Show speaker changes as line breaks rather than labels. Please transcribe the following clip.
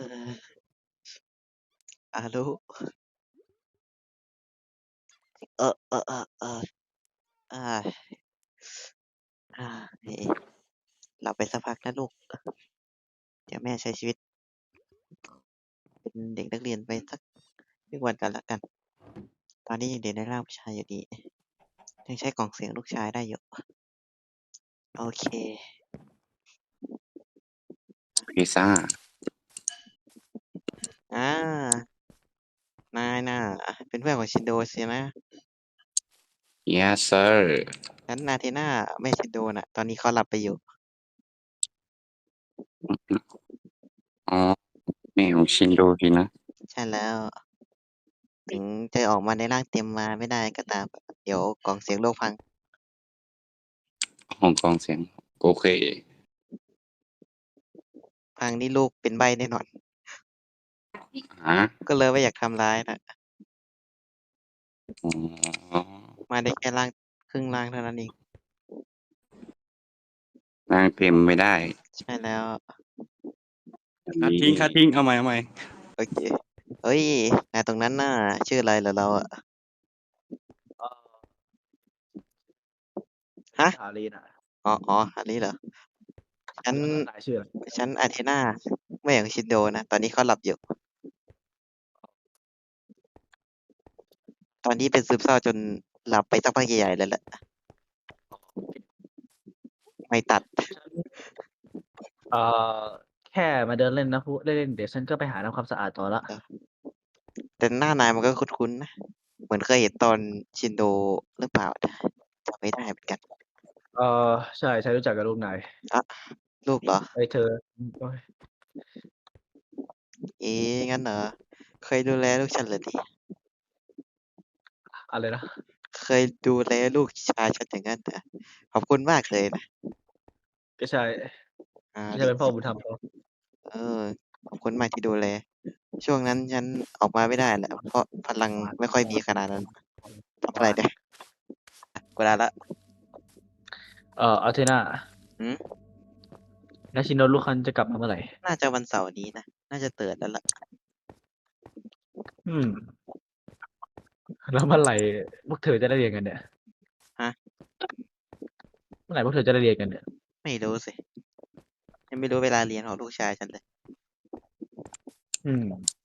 อารุเออเออเออเอออ่าเฮ้หลับไปสักพักนะลูกเดี๋ยวแม่ใช้ชีวิตเป็นเด็กนักเรียนไปสักวันกันละกันตอนนี้ยังเด็กในร่างผู้ชายอยู่ดียังใช้กล่องเสียงลูกชายได้อยู่โอเค
พิซซ่า
อ่านายน่ะเป็นเพื่อนของชินโดสินะ
yes sir
งั้นนาเทน่าไม่ชินโดน่ะตอนนี้เขาหลับไปอยู่
อ๋อแม่ของชินโดสินะ
ใช่แล้วถึงจะออกมาในร่างเต็มมาไม่ได้ก็ตามเดี๋ยวกล่องเสียงโลกพัง
ห้องกองเสียงโอเค
พังนี่ลูกเป็นใบ้แน่นอน
ฮะ
ก็เลยไม่อยากทำร้ายนะ
อ๋อ
มาได้แค่ร่างครึ่งร่างเท่านั้นเอง
ร่างเต็มไม่ได้
ใช่แล้ว
คัดทิ้งเอาใหม่
โอเคเฮ้ยนายตรงนั้นน่ะชื่ออะไรเหรอเราอะฮะ
ฮารีน่ะ
อ๋ออันนี้เหรอฉัน
นายชื่ออะไร
ฉันอาเทนาไม่อย่างชินโดนะตอนนี้เขาหลับอยู่ตอนนี้เป็นซึมเศร้าจนหลับไปสักพักใหญ่ๆเลยแหละไม่ตัด
เอ่อแค่มาเดินเล่นนะพูดเล่นๆเดี๋ยวฉันก็ไปหาทำความสะอาดต่อละ
แต่หน้านายมันก็คุ้นๆนะเหมือนเคยเห็นตอนชินโดหรือเปล่านะจำไม่ได้เหมือนกัน
เอ่อใช่ฉันรู้จักกับลูกนาย
อ่ะลูกเหรอ
ไอ้เธอโอ๊ย
เอ๊ะงั้นเหรอเคยดูแลลูกฉันเหรอเนี่ย
อะไรนะ
เคยดูแลลูกชายฉันอย่างนั้นเหรอขอบคุณมากเลยนะ
ก็ใช่ฉัน
ดี
เป็นพ่อบุญธรรมเขา
เออขอบคุณมากที่ดูแลช่วงนั้นฉันออกมาไม่ได้แหละเพราะพลังไม่ค่อยมีขนาดนั้นทำอะไรเนี่ยกูได้ละ
อาเทน่า
อืม
นาชินโนลูกคันจะกลับมาเมื่อไหร่
น่าจะวันเสาร์นี้นะน่าจะเตือนแล้วล่ะ
อืมแล้วเมื่อไหร่พวกเธอจะได้เรียนกันเนี่ย
ฮะ
เมื่อไหร่พวกเธอจะได้เรียนกันเนี่ย
ไม่รู้สิยังไม่รู้เวลาเรียนของลูกชายฉันเลย
อืม